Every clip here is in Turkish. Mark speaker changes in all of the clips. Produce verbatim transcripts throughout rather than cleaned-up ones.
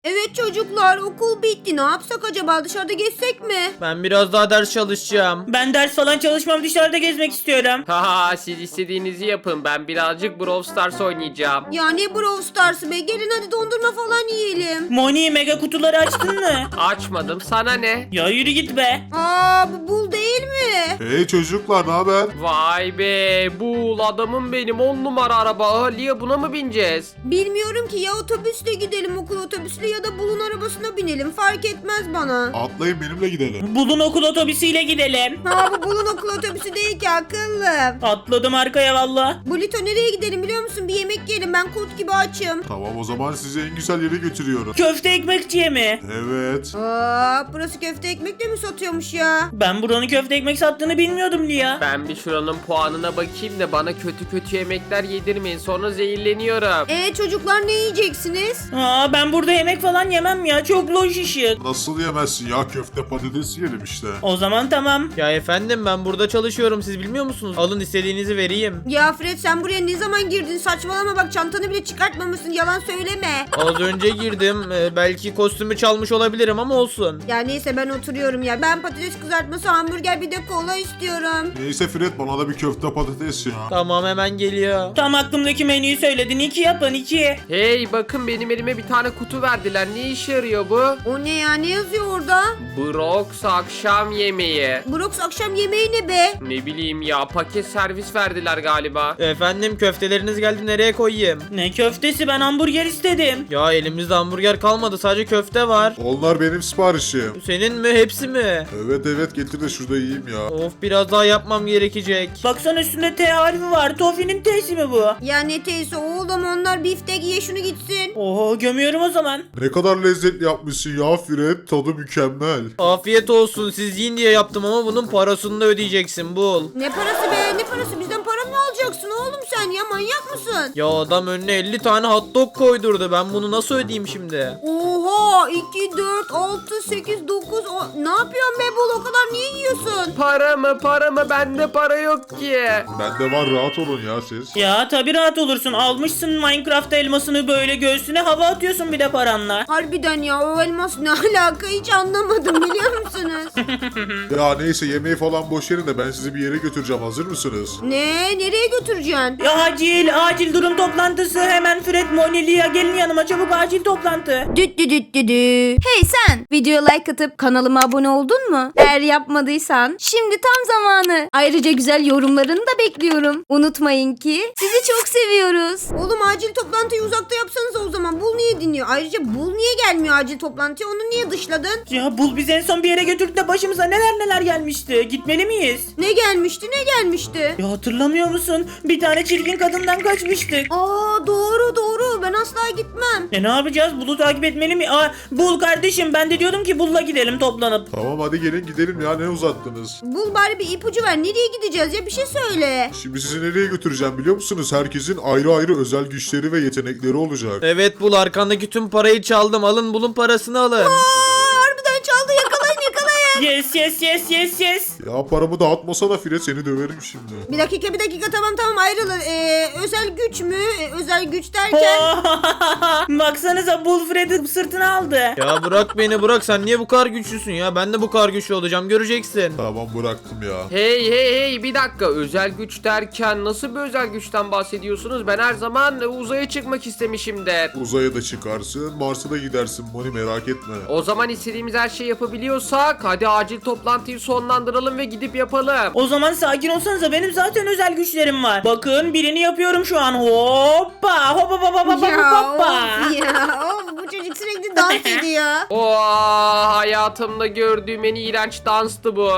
Speaker 1: Evet çocuklar, okul bitti. Ne yapsak acaba, dışarıda gezsek mi?
Speaker 2: Ben biraz daha ders çalışacağım.
Speaker 3: Ben ders falan çalışmam, dışarıda gezmek istiyorum.
Speaker 4: Haha siz istediğinizi yapın. Ben birazcık Brawl Stars oynayacağım.
Speaker 1: Ya ne Brawl Stars'ı be, gelin hadi dondurma falan yiyelim.
Speaker 3: Moni, mega kutuları açtın mı?
Speaker 4: Açmadım, sana ne?
Speaker 3: Ya yürü git be.
Speaker 1: Aa, bu bul değil mi?
Speaker 5: Hey çocuklar, ne haber?
Speaker 4: Vay be, bu adamım benim, on numara araba. Aa, Lia, buna mı bineceğiz?
Speaker 1: Bilmiyorum ki, ya otobüsle gidelim, okul otobüsle ya da bulun arabasına binelim, fark etmez bana.
Speaker 5: Atlayın benimle gidelim.
Speaker 3: Bulun okul otobüsüyle gidelim.
Speaker 1: Ha, bu bulun okul otobüsü değil ki akıllım.
Speaker 3: Atladım arkaya valla.
Speaker 1: Bulito, nereye gidelim biliyor musun? Bir yemek yiyelim, ben kurt gibi açım.
Speaker 5: Tamam, o zaman sizi en güzel yere götürüyorum.
Speaker 3: Köfte ekmekçiye mi?
Speaker 5: Evet.
Speaker 1: Aa, burası köfte ekmek de mi satıyormuş ya?
Speaker 3: Ben buranın köfte ekmek sattığını bilmiyordum Lia.
Speaker 4: Ben bir şuranın puanına bakayım da bana kötü kötü yemekler yedirmeyin. Sonra zehirleniyorum.
Speaker 1: Ee çocuklar, ne yiyeceksiniz?
Speaker 3: Aa, ben burada yemek falan yemem ya, çok loş ışık.
Speaker 5: Nasıl yemezsin ya, köfte patates yiyelim işte.
Speaker 3: O zaman tamam.
Speaker 2: Ya efendim, ben burada çalışıyorum, siz bilmiyor musunuz? Alın, istediğinizi vereyim.
Speaker 1: Ya Fred, sen buraya ne zaman girdin? Saçmalama bak, çantanı bile çıkartmamışsın, yalan söyleme.
Speaker 2: Az önce girdim. Ee, belki kostümü çalmış olabilirim ama olsun.
Speaker 1: Ya neyse, ben oturuyorum ya. Ben patates kızartması, hamburger, bir de kola istiyorum.
Speaker 5: Neyse Fred, bana da bir köfte patates ya.
Speaker 2: Tamam, hemen geliyor.
Speaker 3: Tam aklımdaki menüyü söyledin, iki yapın iki.
Speaker 4: Hey bakın, benim elime bir tane kutu verdiler. Ne işe yarıyor bu?
Speaker 1: O ne ya, ne yazıyor orada?
Speaker 4: Brox akşam yemeği.
Speaker 1: Brox akşam yemeği ne be?
Speaker 4: Ne bileyim ya, paket servis verdiler galiba.
Speaker 2: Efendim, köfteleriniz geldi, nereye koyayım?
Speaker 3: Ne köftesi, ben hamburger istedim.
Speaker 2: Ya elimizde hamburger kalmadı, sadece köfte var.
Speaker 5: Onlar benim siparişim.
Speaker 2: Senin mi, hepsi mi?
Speaker 5: Evet evet, getir de şurada yiyeyim ya.
Speaker 2: Of, biraz daha yapmam gerekecek.
Speaker 3: Baksana, üstünde T harfi var, Tofi'nin T'si mi bu?
Speaker 1: Ya ne teyze oğlum, onlar biftek, ye şunu gitsin.
Speaker 3: Oho, gömüyorum o zaman.
Speaker 5: Ne kadar lezzetli yapmışsın ya Fred, tadı mükemmel.
Speaker 2: Afiyet olsun, siz yiyin diye yaptım ama bunun parasını da ödeyeceksin, bul.
Speaker 1: Ne parası be, ne parası, bizden para mı alacaksın oğlum sen ya, manyak mısın?
Speaker 2: Ya adam önüne elli tane hot dog koydurdu, ben bunu nasıl ödeyeyim şimdi?
Speaker 1: Oha, iki, dört, altı, sekiz, dokuz, ne yapıyorsun be bul, o kadar niye yiyorsun?
Speaker 4: Para mı para mı, bende para yok ki.
Speaker 5: Bende var, rahat olun ya siz.
Speaker 3: Ya tabi rahat olursun, almışsın Minecraft elmasını böyle göğsüne hava atıyorsun bir de paranla.
Speaker 1: Harbiden ya, o elmas ne alaka, hiç anlamadım biliyor musunuz?
Speaker 5: Ya neyse, yemeği falan boş verin de ben sizi bir yere götüreceğim, hazır mısınız?
Speaker 1: Ne, nereye götüreceksin?
Speaker 3: Ya acil acil durum toplantısı, hemen Fred, Moni, Lia gelin yanıma çabuk, acil toplantı.
Speaker 1: Düt düt düt düt düt. Hey sen, videoya like atıp kanalıma abone oldun mu? Eğer yapmadıysan şimdi tam zamanı. Ayrıca güzel yorumlarını da bekliyorum. Unutmayın ki sizi çok seviyoruz. Oğlum, acil toplantıyı uzakta yapsanız o zaman. Bul niye dinliyor? Ayrıca Bul niye gelmiyor acil toplantıya? Onu niye dışladın?
Speaker 3: Ya Bul bizi en son bir yere götürdü de başımıza neler neler gelmişti. Gitmeli miyiz?
Speaker 1: Ne gelmişti, ne gelmişti?
Speaker 3: Ya hatırlamıyor musun? Bir tane çirkin kadından kaçmıştık.
Speaker 1: Aa, doğru doğru, ben asla gitmem.
Speaker 3: E ne yapacağız? Bul'u takip etmeli mi? Aa, Bul kardeşim, ben de diyordum ki Bul'la gidelim toplanıp.
Speaker 5: Tamam hadi gelin gidelim ya, ne uzattınız?
Speaker 1: Bul, bari bir ipucu ver. Nereye gideceğiz ya, bir şey söyle.
Speaker 5: Şimdi sizi nereye götüreceğim biliyor musunuz? Herkesin ayrı ayrı özel güçleri ve yetenekleri olacak.
Speaker 2: Evet, bul, arkandaki tüm parayı çaldım, alın, bulun parasını alın.
Speaker 1: Aa, harbiden çaldı, yakalayın yakalayın.
Speaker 3: Yes yes yes yes yes.
Speaker 5: Ya paramı dağıtmasana Fred, seni döverim şimdi.
Speaker 1: Bir dakika bir dakika, tamam tamam, ayrılın. Ee, özel güç mü? Ee, özel güç derken...
Speaker 3: Baksanıza, Bul Fred'i sırtına aldı.
Speaker 2: Ya bırak beni, bırak, sen niye bu kadar güçlüsün ya? Ben de bu kadar güçlü olacağım, göreceksin.
Speaker 5: Tamam, bıraktım ya.
Speaker 4: Hey hey hey, bir dakika, özel güç derken nasıl bir özel güçten bahsediyorsunuz? Ben her zaman uzaya çıkmak istemişimdir.
Speaker 5: Uzaya da çıkarsın, Mars'a da gidersin Moni, merak etme.
Speaker 4: O zaman istediğimiz her şeyi yapabiliyorsak hadi acil toplantıyı sonlandıralım ve gidip yapalım.
Speaker 3: O zaman sakin olsanıza, benim zaten özel güçlerim var. Bakın, birini yapıyorum şu an. Hoppa hoppa hoppa hoppa
Speaker 1: Ya
Speaker 3: hoppa.
Speaker 1: of ya, of, bu çocuk sürekli dans ediyor.
Speaker 4: Oo, hayatımda gördüğüm en iğrenç danstı bu.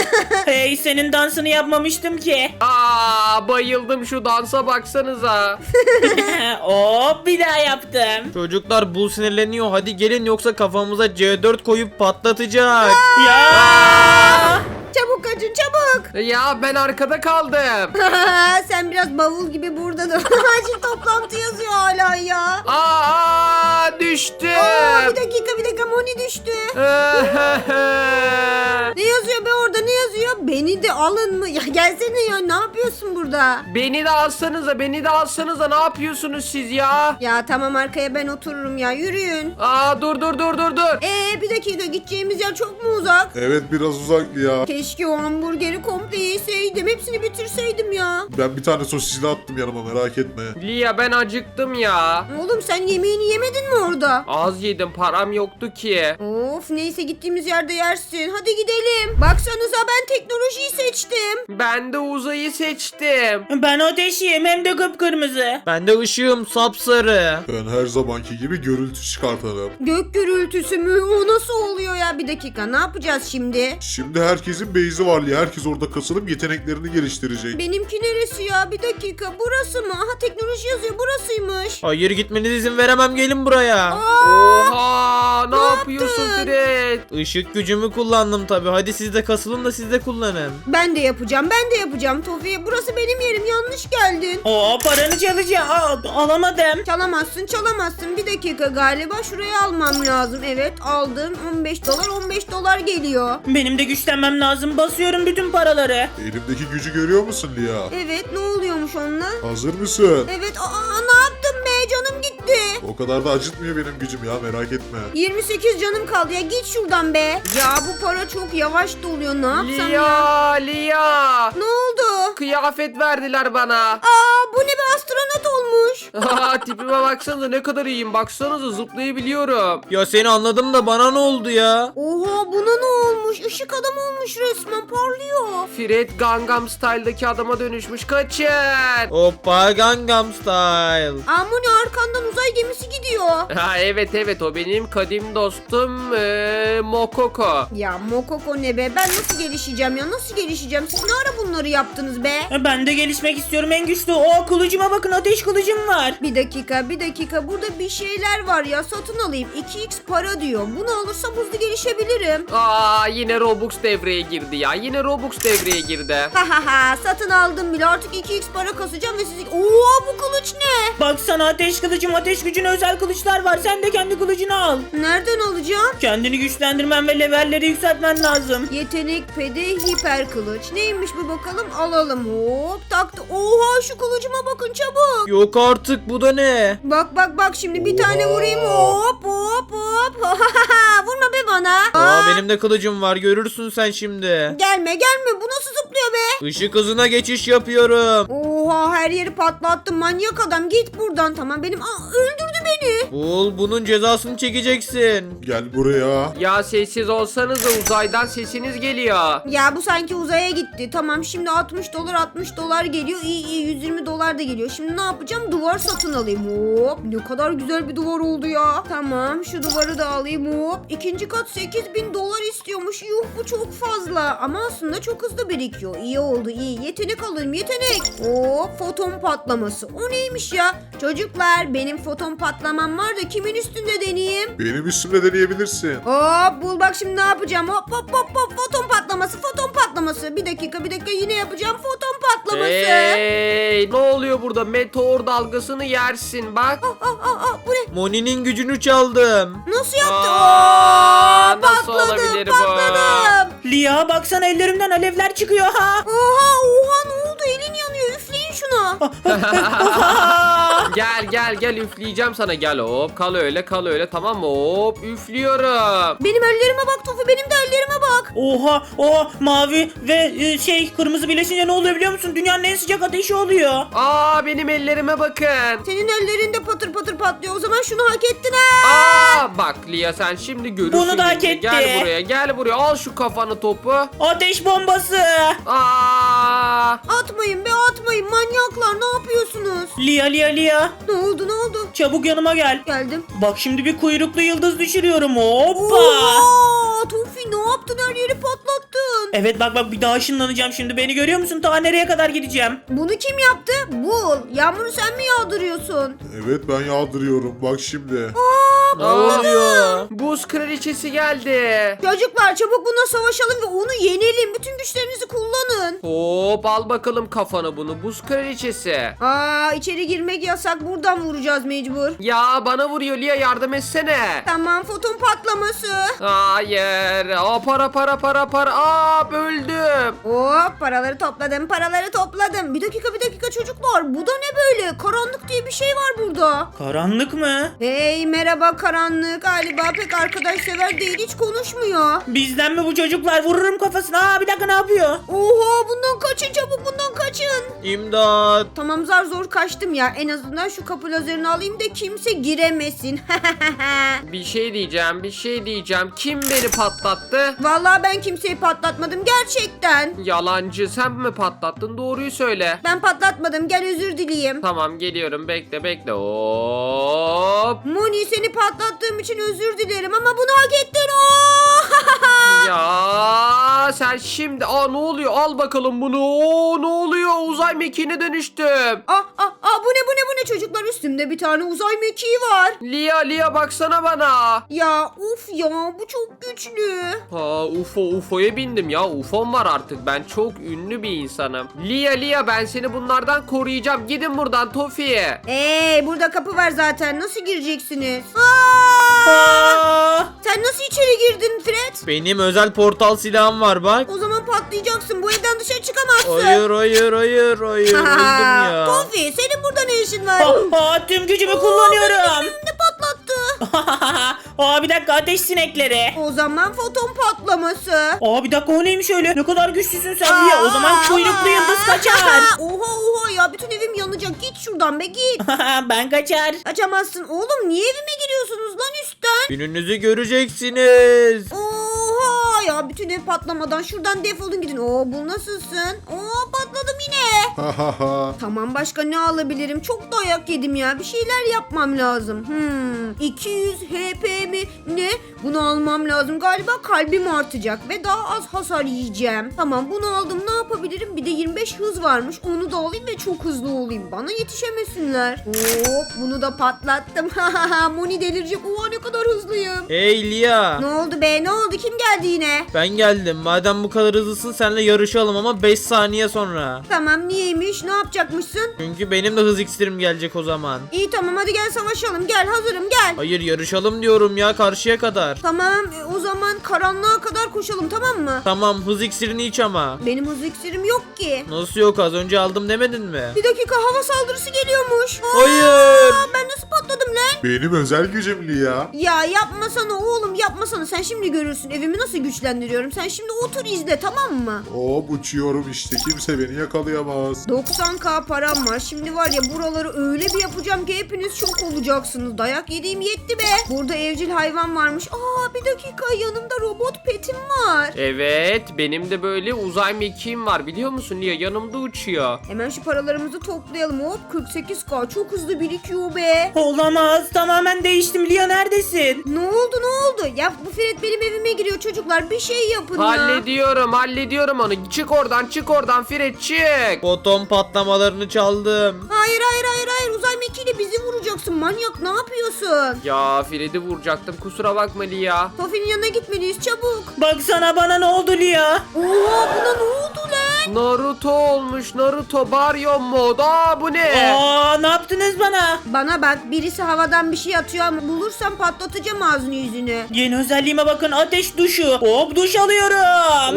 Speaker 3: Hey, senin dansını yapmamıştım ki.
Speaker 4: Aa, bayıldım, şu dansa baksanıza.
Speaker 3: Hop, bir daha yaptım.
Speaker 2: Çocuklar, bul sinirleniyor, hadi gelin yoksa kafamıza C dört koyup patlatacak.
Speaker 3: Ya.
Speaker 1: Çabuk kaçın çabuk.
Speaker 4: Ya ben arkada kaldım.
Speaker 1: Sen biraz bavul gibi burada dur. Acil toplantı yazıyor hala ya.
Speaker 4: Aa, düştüm.
Speaker 1: Aa, bir dakika bir dakika, Moni düştü. Ne yazıyor be orada, ne yazıyor? Beni de al alın mı? Ya gelsene ya, ne yapıyorsun burada?
Speaker 4: Beni de alsanıza, beni de alsanıza. Ne yapıyorsunuz siz ya?
Speaker 1: Ya tamam, arkaya ben otururum ya, yürüyün.
Speaker 4: Aa dur dur dur dur dur.
Speaker 1: Ee bir dakika, gideceğimiz yer çok mu uzak?
Speaker 5: Evet biraz uzak ya.
Speaker 1: Keşke o hamburgeri komple yeseydim. Hepsini bitirseydim ya.
Speaker 5: Ben bir tane sosisli attım yanıma, merak etme.
Speaker 4: Lia ben acıktım ya.
Speaker 1: Oğlum sen yemeğini yemedin mi orada?
Speaker 4: Az yedim, param yoktu ki.
Speaker 1: Of, neyse gittiğimiz yerde yersin. Hadi gidelim. Baksanıza, ben teknolojiyi seçtim.
Speaker 4: Ben de uzayı seçtim.
Speaker 3: Ben ateşiyim hem de kıpkırmızı.
Speaker 2: Ben de ışığım sapsarı.
Speaker 5: Ben her zamanki gibi görüntü çıkartalım.
Speaker 1: Gök gürültüsü mü? O nasıl oluyor ya? Bir dakika, ne yapacağız şimdi?
Speaker 5: Şimdi herkesin base'i var ya. Herkes orada kasılıp yeteneklerini geliştirecek.
Speaker 1: Benimki neresi ya? Bir dakika, burası mı? Aha, teknoloji yazıyor, burasıymış.
Speaker 2: Hayır, gitmenize izin veremem, gelin buraya.
Speaker 4: Oha ne,
Speaker 1: ne
Speaker 4: yapıyorsun
Speaker 1: yaptın?
Speaker 4: Fred?
Speaker 2: Işık gücümü kullandım tabi. Hadi siz de kasılın da siz de kullanın.
Speaker 1: Ben de yapacağım, ben de yapacağım Tofi. Burası benim yerim, yanlış geldin.
Speaker 3: Oo paranı çalacağım. Aa, alamadım.
Speaker 1: Çalamazsın, çalamazsın. Bir dakika, galiba şuraya almam lazım. Evet, aldım. on beş dolar, on beş dolar geliyor.
Speaker 3: Benim de güçlenmem lazım. Basıyorum bütün paraları.
Speaker 5: Elimdeki gücü görüyor musun Lia?
Speaker 1: Evet, ne oluyormuş onunla?
Speaker 5: Hazır mısın?
Speaker 1: Evet, aa, ne yaptım be? Canım gitti.
Speaker 5: O kadar da acıtmıyor benim gücüm ya, merak etme.
Speaker 1: yirmi sekiz canım kaldı ya, git şuradan be. Ya bu para çok yavaş doluyor, ne yapsam ya?
Speaker 4: Lia Lia.
Speaker 1: Ne oldu?
Speaker 4: Kıyafet verdiler bana.
Speaker 1: Aa, bu ne be, astronot olmuş.
Speaker 4: Tipime baksanıza ne kadar iyiyim. Baksanıza zıplayabiliyorum.
Speaker 2: Ya seni anladım da bana ne oldu ya?
Speaker 1: Oha, buna ne olmuş? Işık adam olmuş resmen, parlıyor.
Speaker 4: Fred Gangnam Style'daki adama dönüşmüş. Kaçın.
Speaker 2: Hoppa Gangnam Style.
Speaker 1: Amuni, arkandan uzay gemisi gidiyor.
Speaker 4: Ha evet evet o benim kadim dostum ee, Mokoko.
Speaker 1: Ya Mokoko ne be? Ben nasıl gelişeceğim ya? Nasıl gelişeceğim? Siz ne ara bunları yaptınız be?
Speaker 3: Ben de gelişmek istiyorum en güçlü. O kılıcıma bakın, ateş kılıcım var.
Speaker 1: Bir dakika, bir dakika. Burada bir şeyler var ya. Satın alayım. iki x para diyor. Bunu alırsam hızlı gelişebilirim.
Speaker 4: Aa yine Robux devreye girdi ya. Yine Robux devreye girdi.
Speaker 1: Ha ha ha. Satın aldım bile. Artık iki x para kasacağım ve sizi... Oo, bu kılıç ne?
Speaker 3: Baksana ateş kılıcım, ateş gücüne özel kılıçlar var. Sen de kendi kılıcını al.
Speaker 1: Nereden alacağım?
Speaker 3: Kendini güçlendirmen ve levelleri yükseltmen lazım.
Speaker 1: Yetenek pedi hiper kılıç. Neymiş bu bakalım? Alalım. Hop, taktı. Oha, şu kılıcıma bakın çabuk.
Speaker 2: Yok artık, bu da ne?
Speaker 1: Bak bak bak, şimdi bir tane vurayım. Hop hop hop. Vurma be bana.
Speaker 2: Aa, benim de kılıcım var, görürsün sen şimdi.
Speaker 1: Gelme gelme, bu nasıl zıplıyor be?
Speaker 2: Işık hızına geçiş yapıyorum.
Speaker 1: Oha, her yeri patlattım, manyak adam, git buradan. Tamam, benim Aa, öldürdü beni.
Speaker 2: Bul, bunun cezasını çekeceksin.
Speaker 5: Gel buraya.
Speaker 4: Ya sessiz olsanız da uzaydan sesiniz geliyor.
Speaker 1: Ya bu sanki uzaya gitti. Tamam, şimdi altmış dolar altmış dolar geliyor. İyi iyi, yüz yirmi dolar da geliyor. Şimdi ne yapacağım? Duvar satın alayım. Hop, ne kadar güzel bir duvar oldu ya. Tamam, şu duvarı da alayım. Hop, ikinci kat sekiz bin dolar istiyormuş. Yuh, bu çok fazla. Ama aslında çok hızlı birikiyor. İyi oldu, iyi. Yetenek alayım, yetenek. Hop, foton patlaması. O neymiş ya? Çocuklar, benim foton patlamam var da kimin üstünde deneyeyim?
Speaker 5: Benim üstümde deneyebilirsin.
Speaker 1: Hop, bul bak şimdi ne yapacağım. Hop hop hop hop, foton patlaması, foton patlaması. Bir dakika bir dakika, yine yapacağım foton patlaması.
Speaker 4: Hey ne oluyor burada? Meteor dalgasını yersin bak.
Speaker 1: Ah ah ah ah, bu ne?
Speaker 2: Moni'nin gücünü çaldım.
Speaker 1: Nasıl yaptı?
Speaker 4: Aa,
Speaker 1: Oo,
Speaker 4: nasıl
Speaker 1: patladım,
Speaker 4: olabilir bu?
Speaker 1: patladım.
Speaker 3: Lia baksana, ellerimden alevler çıkıyor ha.
Speaker 1: Oha oha, ne oldu? Elin yanıyor, üfleyin şunu.
Speaker 4: Gel gel gel üfleyeceğim sana, gel hop kal öyle kal öyle, tamam mı? Hop üflüyorum.
Speaker 1: Benim ellerime bak Tofu, benim de ellerime bak.
Speaker 3: Oha oha, mavi ve e, şey kırmızı birleşince ne oluyor biliyor musun? Dünyanın en sıcak ateşi oluyor.
Speaker 4: Aa benim ellerime bakın.
Speaker 1: Senin ellerin de patır patır patlıyor. O zaman şunu hak ettin ha.
Speaker 4: Aa bak Lia sen şimdi görürsün.
Speaker 3: Bunu da hak
Speaker 4: şimdi.
Speaker 3: etti.
Speaker 4: Gel buraya gel buraya, al şu kafanı topu.
Speaker 3: Ateş bombası.
Speaker 4: Aa
Speaker 1: Atmayın be, atmayın manyaklar, ne yapıyorsunuz?
Speaker 3: Lia Lia Lia.
Speaker 1: Ne oldu ne oldu?
Speaker 3: Çabuk yanıma gel.
Speaker 1: Geldim.
Speaker 3: Bak şimdi bir kuyruklu yıldız düşürüyorum. Hoppa.
Speaker 1: Oha, Tofi ne yaptın, her yeri patlattın.
Speaker 3: Evet bak bak, bir daha ışınlanacağım şimdi. Beni görüyor musun? Ta nereye kadar gideceğim?
Speaker 1: Bunu kim yaptı? Bul. Yağmuru sen mi yağdırıyorsun?
Speaker 5: Evet ben yağdırıyorum, bak şimdi.
Speaker 2: Ne oluyor?
Speaker 4: Buz kraliçesi geldi.
Speaker 1: Çocuklar çabuk buna savaşalım ve onu yenelim. Bütün güçlerinizi kullanın.
Speaker 4: Hop al bakalım kafana bunu buz kraliçesi.
Speaker 1: Aa, içeri girmek yasak. Buradan vuracağız mecbur.
Speaker 4: Ya bana vuruyor Lia yardım etsene.
Speaker 1: Tamam, foton patlaması.
Speaker 4: Hayır. Aa, para para para para. Aa böldüm.
Speaker 1: Hop, paraları topladım, paraları topladım. Bir dakika, bir dakika çocuklar. Bu da ne böyle? Karanlık diye bir şey var burada.
Speaker 3: Karanlık mı?
Speaker 1: Hey, merhaba karanlık. Galiba pek arkadaşsever değil, hiç konuşmuyor.
Speaker 3: Bizden mi bu çocuklar? Vururum kafasına. Aa bir dakika ne yapıyor?
Speaker 1: Oha, bundan kaçın çabuk, bundan kaçın.
Speaker 2: İmdat.
Speaker 1: Tamam, zar zor kaçtım ya. En azından şu kapı lazerini alayım da kimse giremesin.
Speaker 4: Bir şey diyeceğim bir şey diyeceğim. Kim beni patlattı?
Speaker 1: Vallahi ben kimseyi patlatmadım gerçekten.
Speaker 4: Yalancı sen mi patlattın? Doğruyu söyle.
Speaker 1: Ben patlatmadım, gel özür dileyeyim.
Speaker 4: Tamam geliyorum bekle bekle. Hop.
Speaker 1: Moni, seni patlattığım için özür dilerim ama bunu hak ettin. Oo!
Speaker 4: Ya sen şimdi aa ne oluyor? Al bakalım bunu. Oo ne oluyor? Uzay mekiğine dönüştüm.
Speaker 1: Ah ah ah, bu ne bu ne bu ne çocuklar, üstümde bir tane uzay mekiği var.
Speaker 4: Lia Lia baksana bana.
Speaker 1: Ya uf ya, bu çok güçlü.
Speaker 4: Ha U F O U F O'ya bindim ya. U F O'm var artık. Ben çok ünlü bir insanım. Lia Lia ben seni bunlardan koruyacağım. Gidin buradan Tofi'ye.
Speaker 1: Eee, burada kapı var zaten, nasıl gireceksiniz? Aa!
Speaker 3: Aa!
Speaker 1: Sen nasıl içeri girdin Fred?
Speaker 2: Benim özel portal silahım var bak.
Speaker 1: O zaman patlayacaksın, bu evden dışarı çıkamazsın.
Speaker 2: Hayır hayır hayır hayır. Öldüm ya.
Speaker 1: Tofi, senin burada ne işin var?
Speaker 3: Aa, tüm gücümü kullanıyorum.
Speaker 1: Ne patlattı?
Speaker 3: Aa bir dakika ateş sinekleri.
Speaker 1: O zaman foton patlaması.
Speaker 3: Aa bir dakika o neymiş öyle? Ne kadar güçlüsün sen Lia. O zaman kuyruklu yıldız kaçar.
Speaker 1: Oha oha ya, bütün evim yanacak. Git şuradan be, git.
Speaker 3: Ben kaçar.
Speaker 1: Kaçamazsın oğlum, niye evime giriyorsunuz lan üstten?
Speaker 2: Gününüzü göreceksiniz.
Speaker 1: Oha ya, bütün ev patlamadan şuradan defolun gidin. Oo, bu nasılsın? Oo, patladım yine.
Speaker 5: Ha ha ha.
Speaker 1: Tamam, başka ne alabilirim? Çok dayak yedim ya. Bir şeyler yapmam lazım. Hmm. iki yüz H P mi? Ne? Bunu almam lazım. Galiba kalbim artacak ve daha az hasar yiyeceğim. Tamam, bunu aldım. Ne yapabilirim? Bir de yirmi beş hız varmış. Onu da alayım ve çok hızlı olayım. Bana yetişemesinler. Hop, bunu da patlattım. Moni delirecek. Oha, ne kadar hızlıyım.
Speaker 2: Hey Lia.
Speaker 1: Ne oldu be? Ne oldu? Kim geldi yine?
Speaker 2: Ben geldim. Madem bu kadar hızlısın seninle yarışalım ama beş saniye sonra.
Speaker 1: Tamam, niyeymiş? Ne yapacakmışsın?
Speaker 2: Çünkü benim de hız iksirim gelecek o zaman.
Speaker 1: İyi tamam, hadi gel savaşalım. Gel, hazırım, gel.
Speaker 2: Hayır yarışalım diyorum ya karşıya kadar.
Speaker 1: Tamam, e, o zaman karanlığa kadar koşalım, tamam mı?
Speaker 2: Tamam hız iksirini iç ama.
Speaker 1: Benim hız iksirim yok ki.
Speaker 2: Nasıl yok, az önce aldım demedin mi?
Speaker 1: Bir dakika, hava saldırısı geliyormuş.
Speaker 2: Hayır.
Speaker 1: Aa, ben nasıl patladım lan?
Speaker 5: Benim özel gücüm Lia.
Speaker 1: Ya yapmasana oğlum, yapmasana. Sen şimdi görürsün evimi nasıl güçlendiriyorum. Sen şimdi otur izle, tamam mı?
Speaker 5: Hop uçuyorum işte, kimse beni yakalayamaz.
Speaker 1: doksan K param var. Şimdi var ya, buraları öyle bir yapacağım ki hepiniz şok olacaksınız. Dayak yediğim yetti be. Burada evcil hayvan varmış. Aa, bir dakika, yanımda robot petim var.
Speaker 4: Evet benim de böyle uzay mekiğim var biliyor musun Lia yanımda uçuyor.
Speaker 1: Hemen şu paralarımızı toplayalım. Hop, kırk sekiz K çok hızlı birikiyor be.
Speaker 3: Olamaz. Tamamen değiştim. Lia neredesin?
Speaker 1: Ne oldu ne oldu? Ya bu Fred benim evime giriyor çocuklar. Bir şey yapın ya.
Speaker 4: Hallediyorum hallediyorum onu. Çık oradan çık oradan Fred çık.
Speaker 2: Foton patlamalarını çaldım.
Speaker 1: Hayır hayır hayır hayır. Uzay mekiğiyle bizi vuracaksın. Manyak, ne yapıyorsun?
Speaker 4: Ya Fred'i vuracaktım kusura bakma Lia.
Speaker 1: Tofi'nin yanına gitmeliyiz çabuk.
Speaker 3: Baksana bana ne oldu Lia?
Speaker 1: Oha, buna ne oldu lan?
Speaker 4: Naruto olmuş Naruto Baryon mod. Aa bu ne?
Speaker 3: Aa ne yaptınız bana?
Speaker 1: Bana bak, birisi havadan bir şey atıyor ama bulursam patlatacağım ağzını yüzünü.
Speaker 3: Yeni özelliğime bakın, ateş duşu. Hop duş alıyorum.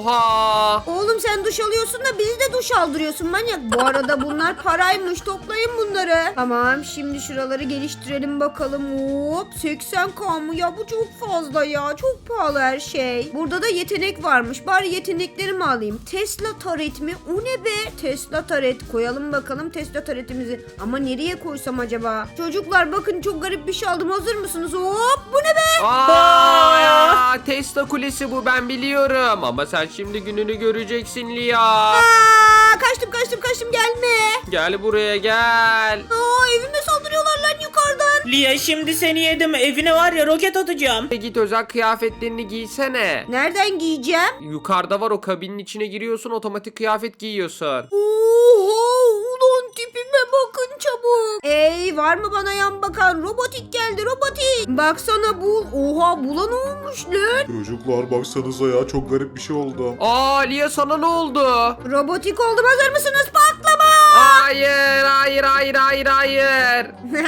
Speaker 4: Oha.
Speaker 1: Oğlum sen duş alıyorsun da bizi de duş aldırıyorsun manyak. Bu arada bunlar paraymış, toplayın bunları. Tamam, şimdi şuraları geliştirelim bakalım. Hop, seksen K mı ya, bu çok fazla ya, çok pahalı her şey. Burada da yetenek varmış, bari yeteneklerimi alayım. Tesla taret mi? O ne be? Tesla taret koyalım bakalım, Tesla taretimizi. Ama nereye koysam acaba? Çocuklar bakın, çok garip bir şey aldım, hazır mısınız? Hop, bu ne be?
Speaker 4: Aa, Tesla kulesi bu ben biliyorum. Ama sen şimdi gününü göreceksin Lia.
Speaker 1: Aa, kaçtım kaçtım kaçtım, gelme.
Speaker 4: Gel buraya gel.
Speaker 1: Aa, evime saldırıyorlar lan yukarıdan.
Speaker 3: Lia şimdi seni yedim. Evine var ya roket atacağım.
Speaker 4: Git özel kıyafetlerini giysene.
Speaker 1: Nereden giyeceğim?
Speaker 4: Yukarıda var o kabinin içine giriyorsun otomatik kıyafet giyiyorsun.
Speaker 1: Oha, ulan tipime bakın çabuk. Hey, var mı bana yan bakan? Robotik geldi, robotik. Baksana bul. Oha, bula ne olmuş lan?
Speaker 5: Çocuklar baksanıza ya çok garip bir şey oldu.
Speaker 4: Aa Lia sana ne oldu?
Speaker 1: Robotik oldum, hazır mısınız? Patlama.
Speaker 4: Hayır hayır hayır hayır hayır.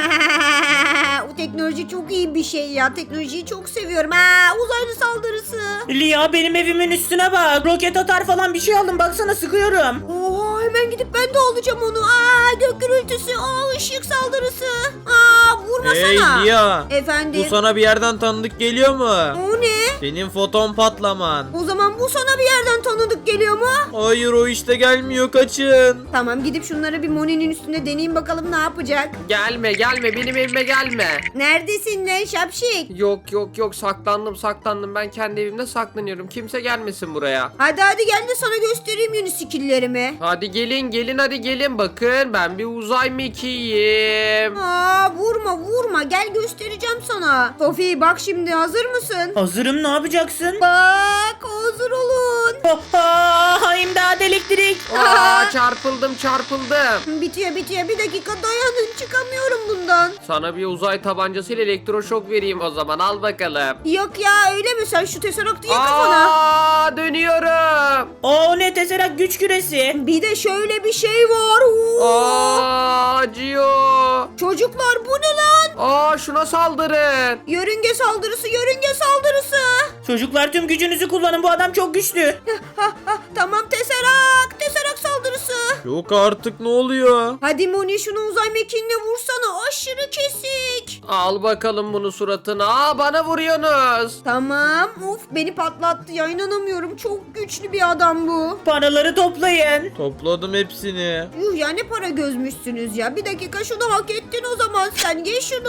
Speaker 1: Bu teknoloji çok iyi bir şey ya. Teknolojiyi çok seviyorum. Ha, uzaylı saldırısı.
Speaker 3: Lia benim evimin üstüne bak. Roket atar falan bir şey aldım. Baksana sıkıyorum.
Speaker 1: Oha, hemen gidip ben de alacağım onu. Aa, gök gürültüsü. Aa, ışık saldırısı. Aa, vurmasana.
Speaker 2: Hey Lia.
Speaker 1: Efendim.
Speaker 2: Bu sana bir yerden tanıdık geliyor mu?
Speaker 1: O ne?
Speaker 2: Senin foton patlaman.
Speaker 1: O zaman bu sana bir yerden tanıdık geliyor mu?
Speaker 2: Hayır o işte gelmiyor, kaçın.
Speaker 1: Tamam, gidip şunları bir Moni'nin üstünde deneyeyim bakalım ne yapacak.
Speaker 4: Gelme gelme benim evime gelme.
Speaker 1: Neredesin lan şapşik?
Speaker 4: Yok yok yok saklandım saklandım ben kendi evimde saklanıyorum. Kimse gelmesin buraya.
Speaker 1: Hadi hadi gel de sana göstereyim yeni skilllerimi.
Speaker 4: Hadi gelin gelin hadi gelin bakın ben bir uzay mekiğiyim.
Speaker 1: Aa, vurma vurma, gel göstereceğim sana. Sofi bak şimdi, hazır mısın?
Speaker 3: Hazırım, ne yapacaksın?
Speaker 1: Bak, hazır olun.
Speaker 3: Oha, imdat elektrik.
Speaker 4: Aa çarpıldım çarpıldım.
Speaker 1: Bitiyor bitiyor, bir dakika dayanın, çıkamıyorum bundan.
Speaker 4: Sana bir uzay tabancasıyla elektroşok vereyim o zaman al bakalım.
Speaker 1: Yok ya, öyle mi? Sen şu teseraktı ya kafana.
Speaker 4: Aa dönüyorum.
Speaker 3: O ne, Tesseract güç küresi.
Speaker 1: Bir de şöyle bir şey var. Oo.
Speaker 4: Aa acıyor.
Speaker 1: Çocuklar bu ne lan?
Speaker 4: Aa şuna saldırın.
Speaker 1: Yörünge saldırısı, yörünge saldırısı.
Speaker 3: Çocuklar tüm gücünüzü kullanın, bu adam çok güçlü.
Speaker 1: Ha, ha, tamam, teserak, teserak saldırısı.
Speaker 2: Yok artık, ne oluyor?
Speaker 1: Hadi Moni, şunu uzay mekiğine vursana, aşırı kesik.
Speaker 4: Al bakalım bunu suratına. Aa bana vuruyorsunuz.
Speaker 1: Tamam, uf, beni patlattı ya, inanamıyorum, çok güçlü bir adam bu.
Speaker 3: Paraları toplayın.
Speaker 2: Topladım hepsini.
Speaker 1: Yuh ya, ne para gözmüşsünüz ya. Bir dakika, şunu hak ettin o zaman, sen ye şunu.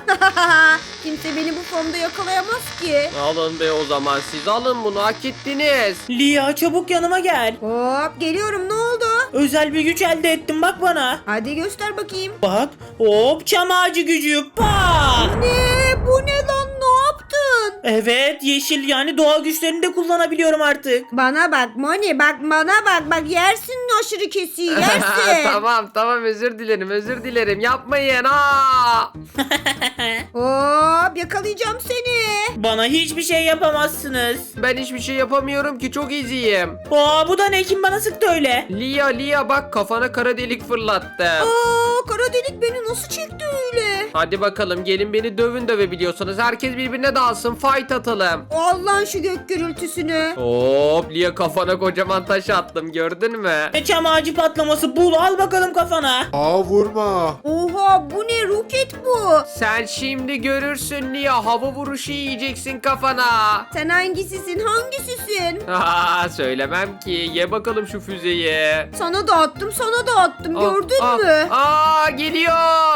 Speaker 1: Kimse beni bu formda yakalayamaz ki.
Speaker 4: Alın be o zaman siz alın bunu hak ettiniz.
Speaker 3: Lia çabuk yanıma gel.
Speaker 1: Hop, geliyorum, ne oldu?
Speaker 3: Özel bir güç elde ettim, bak bana.
Speaker 1: Hadi göster bakayım.
Speaker 3: Bak, hop, çam ağacı gücü. Pa!
Speaker 1: Ne? Bu ne lan, ne yaptın?
Speaker 3: Evet, yeşil yani doğa güçlerini de kullanabiliyorum artık.
Speaker 1: Bana bak Moni, bak bana bak, bak yersin aşırı kesiği, yersin.
Speaker 4: tamam tamam özür dilerim özür dilerim yapmayın ha.
Speaker 1: Hop, yakalayacağım seni.
Speaker 3: Bana hiçbir şey yapamazsınız.
Speaker 4: Ben hiçbir şey yapamıyorum ki çok iziyim.
Speaker 3: Aa, bu da ne, kim bana sıktı öyle?
Speaker 4: Lia Lia bak kafana kara delik fırlattım.
Speaker 1: Aa, kara delik beni nasıl çekti öyle?
Speaker 4: Hadi bakalım gelin beni dövün dövebiliyorsanız herkes birbirine dalsın fight atalım.
Speaker 1: Allah'ın şu gök gürültüsünü.
Speaker 4: Hop Lia kafana kocaman taş attım gördün mü?
Speaker 3: Ne çam ağacı patlaması, bul, al bakalım kafana.
Speaker 5: Aa vurma.
Speaker 1: Oha, bu ne, roket bu.
Speaker 4: Sen şimdi görürsün Lia hava vuruşu yiyeceksin kafana.
Speaker 1: Sen hangisisin, hangisisin?
Speaker 4: Aa, söylemem ki ye bakalım şu füzeyi.
Speaker 1: Sana da attım, sana da attım,
Speaker 4: Aa,
Speaker 1: gördün
Speaker 4: aa,
Speaker 1: mü?
Speaker 4: Aa geliyor.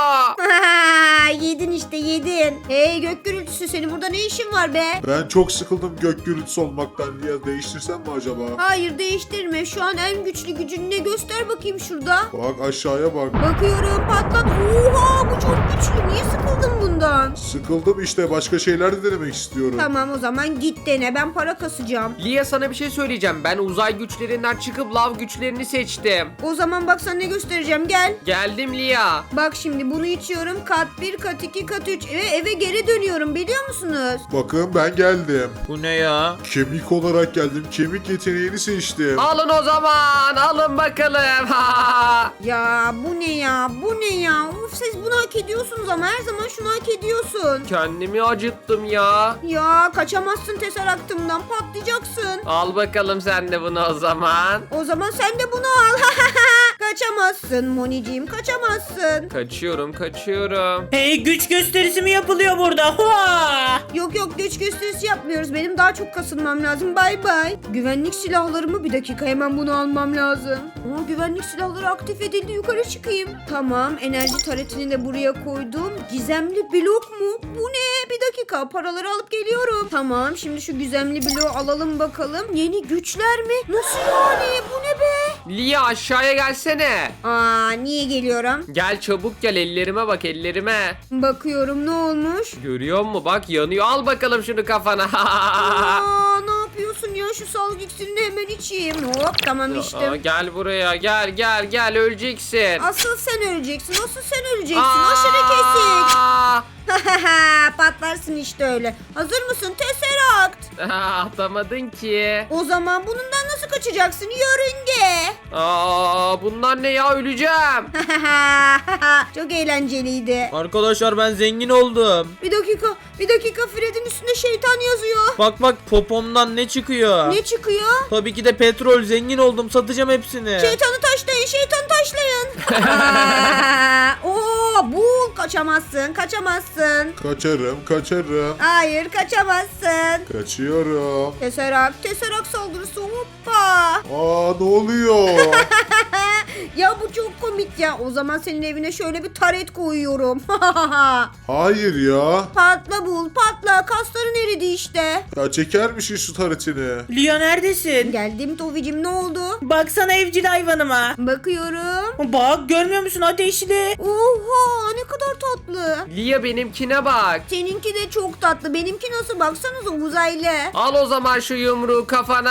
Speaker 1: Yedin işte, yedin. Hey gök gürültüsü, senin burada ne işin var be?
Speaker 5: Ben çok sıkıldım gök gürültüsü olmaktan. Ya değiştirsem mi acaba?
Speaker 1: Hayır, değiştirme. Şu an en güçlü gücünü ne, göster bakayım şurada.
Speaker 5: Bak aşağıya bak.
Speaker 1: Bakıyorum, patlat. Oha, bu çok güçlü. Niye sıkıldın bundan?
Speaker 5: Sıkıldım işte, başka şeyler de denemek istiyorum.
Speaker 1: Tamam, o zaman git dene. Ben para kasacağım.
Speaker 4: Lia sana bir şey söyleyeceğim. Ben uzay güçlerinden çıkıp lav güçlerini seçtim.
Speaker 1: O zaman bak, sana ne göstereceğim, gel.
Speaker 4: Geldim Lia.
Speaker 1: Bak şimdi, bunu içiyorum. Kat bir, kat iki, kat üç. Ve eve geri dönüyorum, biliyor musunuz?
Speaker 5: Bakın ben geldim.
Speaker 2: Bu ne ya?
Speaker 5: Kemik olarak geldim. Kemik yeteneğini seçtim.
Speaker 4: Alın o zaman. Alın bakalım.
Speaker 1: Ya bu ne ya? Bu ne ya? Uf, siz bunu hak ediyorsunuz ama her zaman şunu hak ediyorsun.
Speaker 4: Kendimi acıttım ya.
Speaker 1: Ya kaçamazsın teseraktımdan, patlayacaksın.
Speaker 4: Al bakalım sen de bunu o zaman.
Speaker 1: O zaman sen de bunu al. Kaçamazsın Moniciğim, kaçamazsın.
Speaker 4: Kaçıyorum kaçıyorum.
Speaker 3: Hey, güç gösterisi mi yapılıyor burada? Hoa!
Speaker 1: Yok yok, güç gösterisi yapmıyoruz. Benim daha çok kasılmam lazım. Bay bay. Güvenlik silahlarımı, bir dakika, hemen bunu almam lazım. Ama güvenlik silahları aktif edildi. Yukarı çıkayım. Tamam, enerji taretini de buraya koydum. Gizemli blok mu? Bu ne? Bir dakika, paraları alıp geliyorum. Tamam, şimdi şu gizemli bloğu alalım bakalım. Yeni güçler mi? Nasıl yani? Bu ne be?
Speaker 4: Lia aşağıya gelsene.
Speaker 1: Aa, niye geliyorum?
Speaker 4: Gel çabuk gel ellerime bak ellerime.
Speaker 1: Bakıyorum, ne olmuş?
Speaker 4: Görüyor musun bak yanıyor al bakalım şunu kafana.
Speaker 1: Aa, ne yapıyorsun ya? şu salgı iksirini hemen içeyim. Hop tamam
Speaker 4: Aa,
Speaker 1: içtim.
Speaker 4: gel buraya gel gel gel öleceksin.
Speaker 1: Asıl sen öleceksin. Asıl sen öleceksin. Aşırı kesik.
Speaker 4: Aa!
Speaker 1: Patlarsın işte öyle. Hazır mısın? Tesseract.
Speaker 4: Atamadın ki.
Speaker 1: O zaman bundan nasıl kaçacaksın? Yörünge.
Speaker 4: Aa, bunlar ne ya, öleceğim.
Speaker 1: Çok eğlenceliydi.
Speaker 2: Arkadaşlar ben zengin oldum.
Speaker 1: Bir dakika. Bir dakika. Fred'in üstünde şeytan yazıyor.
Speaker 2: Bak bak popomdan ne çıkıyor?
Speaker 1: Ne çıkıyor?
Speaker 2: Tabii ki de petrol, zengin oldum, satacağım hepsini.
Speaker 1: Şeytanı taşlayın, şeytanı taşlayın. Oo, bul, kaçamazsın, kaçamazsın.
Speaker 5: Kaçarım kaçarım.
Speaker 1: Hayır, kaçamazsın.
Speaker 5: Kaçıyorum.
Speaker 1: Teserak, teserak saldırısı, hoppa.
Speaker 5: Aa ne oluyor?
Speaker 1: Ya bu çok komik ya. O zaman senin evine şöyle bir taret koyuyorum.
Speaker 5: Hayır ya.
Speaker 1: Patla bul, patla. Kasların eridi işte.
Speaker 5: Ya çeker misin şu taretini?
Speaker 3: Lia neredesin?
Speaker 1: Geldim Tovi'cim, ne oldu?
Speaker 3: Baksana evcil hayvanıma.
Speaker 1: Bakıyorum.
Speaker 3: Bak görmüyor musun ateşli?
Speaker 1: Oha, ne kadar tatlı.
Speaker 4: Lia benimkine bak.
Speaker 1: Seninki de çok tatlı. Benimki nasıl, baksanıza, uzaylı.
Speaker 4: Al o zaman şu yumruğu kafana.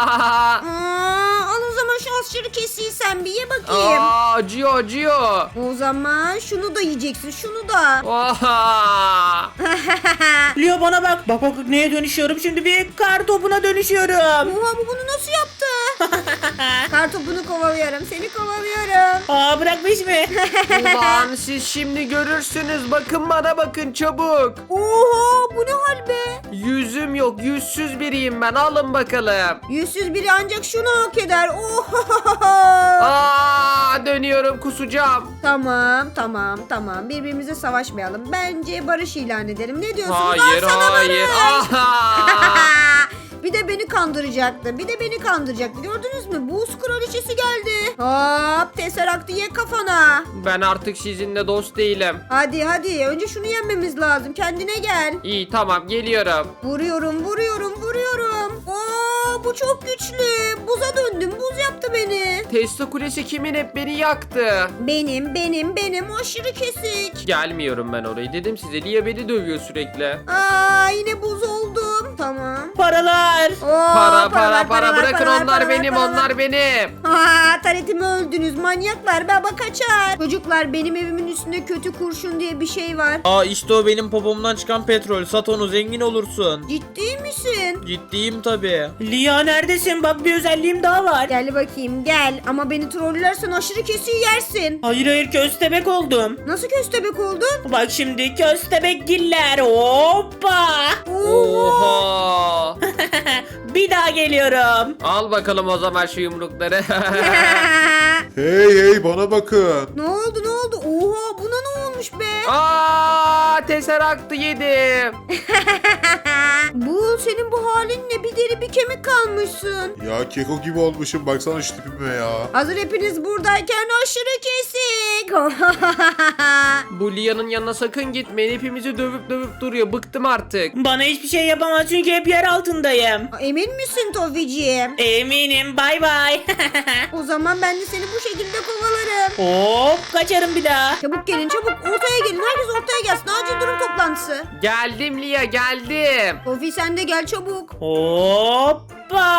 Speaker 1: Aa, al o zaman şu aşırı kesiyi sen bir ye bakayım.
Speaker 4: Aa, acıyor acıyor.
Speaker 1: O zaman şunu da yiyeceksin, şunu da.
Speaker 4: Oha.
Speaker 3: Lia bana bak. Bak bak neye dönüşüyorum şimdi, bir kar topuna dönüşüyorum.
Speaker 1: Oha, bu bunu nasıl yaptı? Kartopunu kovalıyorum, seni kovalıyorum.
Speaker 3: Aa bırakmış mı?
Speaker 4: Ulan siz şimdi görürsünüz. Bakın bana, bakın çabuk.
Speaker 1: Oha, bu ne hal be?
Speaker 4: Yüzüm yok, yüzsüz biriyim ben. Alın bakalım.
Speaker 1: Yüzsüz biri ancak şunu hak eder. Oha.
Speaker 4: Aa, dönüyorum, kusacağım.
Speaker 1: Tamam, tamam, tamam. Birbirimize savaşmayalım. Bence barış ilan edelim. Ne diyorsunuz?
Speaker 4: Hayır,
Speaker 1: Al sana
Speaker 4: hayır.
Speaker 1: barış.
Speaker 4: Aha.
Speaker 1: Bir de beni kandıracaktı. Bir de beni kandıracaktı. Gördünüz mü? Buz kraliçesi geldi. Hop, Tesseract ye kafana.
Speaker 4: Ben artık sizinle dost değilim.
Speaker 1: Hadi hadi. Önce şunu yenmemiz lazım. Kendine gel.
Speaker 4: İyi tamam, geliyorum.
Speaker 1: Vuruyorum, vuruyorum, vuruyorum. Oo, bu çok güçlü. Buza döndüm. Buz yaptı beni.
Speaker 4: Tesla kulesi kimin, hep beni yaktı.
Speaker 1: Benim, benim, benim. Aşırı kesik.
Speaker 4: Gelmiyorum ben orayı, dedim size. Lia beni dövüyor sürekli.
Speaker 1: Aa, yine buz oldum. Tamam.
Speaker 3: Paralar.
Speaker 1: Oo,
Speaker 4: Para para
Speaker 1: paralar,
Speaker 4: para,
Speaker 1: paralar,
Speaker 4: bırakın,
Speaker 1: paralar,
Speaker 4: onlar
Speaker 1: paralar,
Speaker 4: benim,
Speaker 1: paralar.
Speaker 4: onlar benim.
Speaker 1: Ha, taretimi öldünüz manyaklar. Baba kaçar. Çocuklar, benim evimin üstünde kötü kurşun diye bir şey var.
Speaker 2: Aa işte o benim popomdan çıkan petrol. Sat onu, zengin olursun.
Speaker 1: Ciddi misin?
Speaker 2: Ciddiyim tabii.
Speaker 3: Lia neredesin? Bak bir özelliğim daha var.
Speaker 1: Gel bakayım gel. Ama beni trollersen aşırı kesiyi yersin.
Speaker 3: Hayır hayır, köstebek oldum.
Speaker 1: Nasıl köstebek oldun?
Speaker 3: Bak şimdi köstebek giller. Hoppa.
Speaker 4: Oha.
Speaker 3: Bir daha geliyorum.
Speaker 4: Al bakalım o zaman şu yumrukları.
Speaker 5: Hey hey bana bakın.
Speaker 1: Ne oldu ne oldu? Oha, buna ne olmuş be?
Speaker 4: Aa, Tesseract'ı yedim.
Speaker 1: Bu senin bu halin ne? Bir deri bir kemik kalmışsın.
Speaker 5: Ya keko gibi olmuşum baksana şu tipime ya.
Speaker 1: Hazır hepiniz buradayken aşırı kesik.
Speaker 4: Bu Lia'nın yanına sakın gitmeyin. Hepimizi dövüp dövüp duruyor. Bıktım artık.
Speaker 3: Bana hiçbir şey yapamaz çünkü hep yer altındayım.
Speaker 1: Emin misin Tofi'ciğim?
Speaker 3: Eminim, bay bay.
Speaker 1: O zaman ben de seni bu şekilde kovalarım.
Speaker 3: Hop kaçarım bir daha.
Speaker 1: Çabuk gelin çabuk, ortaya gelin. Herkes ortaya gelsin. Acil durum toplantısı.
Speaker 4: Geldim Lia, geldim.
Speaker 1: Tofi sen de gel çabuk.
Speaker 3: Hoppa.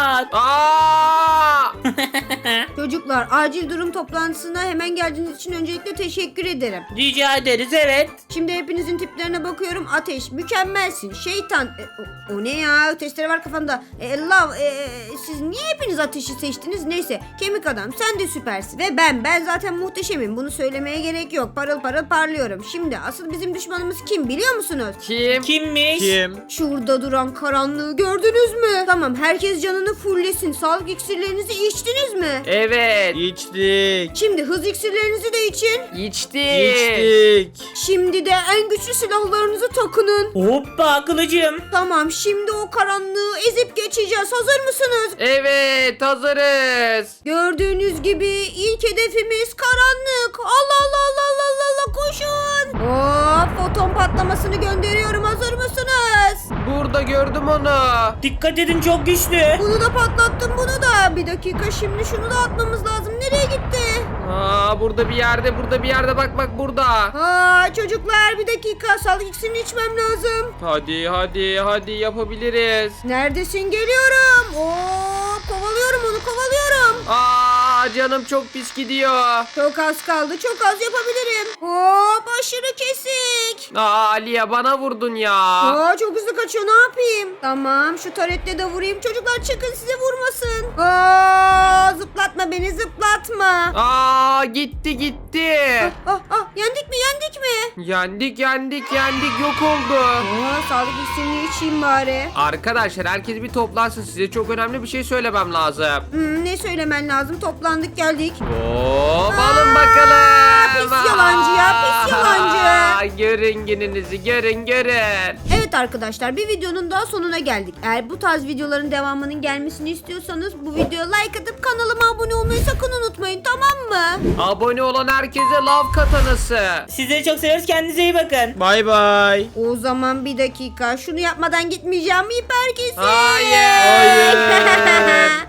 Speaker 4: Aa!
Speaker 1: Çocuklar, acil durum toplantısına hemen geldiğiniz için öncelikle teşekkür ederim.
Speaker 3: Rica ederiz, evet.
Speaker 1: Şimdi hepinizin tiplerine bakıyorum. Ateş, mükemmelsin. Şeytan, e, o, o ne ya? Testere var kafanda. E, love, e, siz niye hepiniz ateşi seçtiniz? Neyse, kemik adam sen de süpersin. Ve ben, ben zaten muhteşemim. Bunu söylemeye gerek yok. Parıl parıl parlıyorum. Şimdi asıl bizim düşmanımız kim biliyor musunuz?
Speaker 4: Kim?
Speaker 3: Kimmiş?
Speaker 2: Kim?
Speaker 1: Şurada duran karanlığı gördünüz mü? Tamam, herkes canını fulllesin. Sağlık iksirlerinizi içtiniz mi?
Speaker 4: Evet.
Speaker 2: İçtik.
Speaker 1: Şimdi hız iksirlerinizi de için.
Speaker 4: İçtik.
Speaker 2: İçtik.
Speaker 1: Şimdi de en güçlü silahlarınızı takının.
Speaker 3: Hoppa kılıcım.
Speaker 1: Tamam, şimdi o karanlığı ezip geçeceğiz. Hazır mısınız?
Speaker 4: Evet, hazırız.
Speaker 1: Gördüğünüz gibi ilk hedefimiz karanlık. Allah Allah Allah Allah Allah, Allah koşun. Hop, foton patlamasını gönderiyorum. Hazır mısınız?
Speaker 4: Burada gördüm onu.
Speaker 3: Dikkat edin, çok güçlü.
Speaker 1: Bunu da patlattım, bunu da. Bir dakika, şimdi şunu da atmamız lazım. Nereye gitti?
Speaker 4: Aa, burada bir yerde, burada bir yerde, bak bak burada.
Speaker 1: Aa, çocuklar bir dakika, sağlık iksirini içmem lazım.
Speaker 4: Hadi hadi hadi yapabiliriz.
Speaker 1: Neredesin? Geliyorum. Oo, kovalıyorum onu, kovalıyorum.
Speaker 4: Aa, canım çok pis gidiyor.
Speaker 1: Çok az kaldı, çok az yapabilirim. Hop, aşırı kesik.
Speaker 4: Aa, Lia bana vurdun ya.
Speaker 1: Aa, çok hızlı kaçıyor, ne yapayım? Tamam, şu taretle de vurayım. Çocuklar çıkın, size vurmasın. Aa, zıplatma beni, zıplatma.
Speaker 4: Aa, gitti gitti.
Speaker 1: Ah, ah, yendik mi, yendik mi?
Speaker 4: Yendik yendik yendik, yok oldu.
Speaker 1: Aa, sağlık iksirini içeyim bari.
Speaker 4: Arkadaşlar herkes bir toplansın, size çok önemli bir şey söylemem lazım.
Speaker 1: Hmm, ne söylemen lazım? Toplandık, geldik.
Speaker 4: Hop, alın bakalım.
Speaker 1: pis yalancı ya, pis yalancı.
Speaker 4: Aa, görün gününüzü, görün görün.
Speaker 1: Evet arkadaşlar, bir videonun daha sonuna geldik. Eğer bu tarz videoların devamının gelmesini istiyorsanız bu videoya like atıp kanalıma abone olmayı sakın unutmayın, tamam mı?
Speaker 4: Abone olan herkese lav katanası.
Speaker 3: Sizleri çok seviyoruz. Kendinize iyi bakın.
Speaker 2: Bay bay.
Speaker 1: O zaman bir dakika, şunu yapmadan gitmeyeceğim. Hiper kesin.
Speaker 4: Hayır.
Speaker 2: Hayır.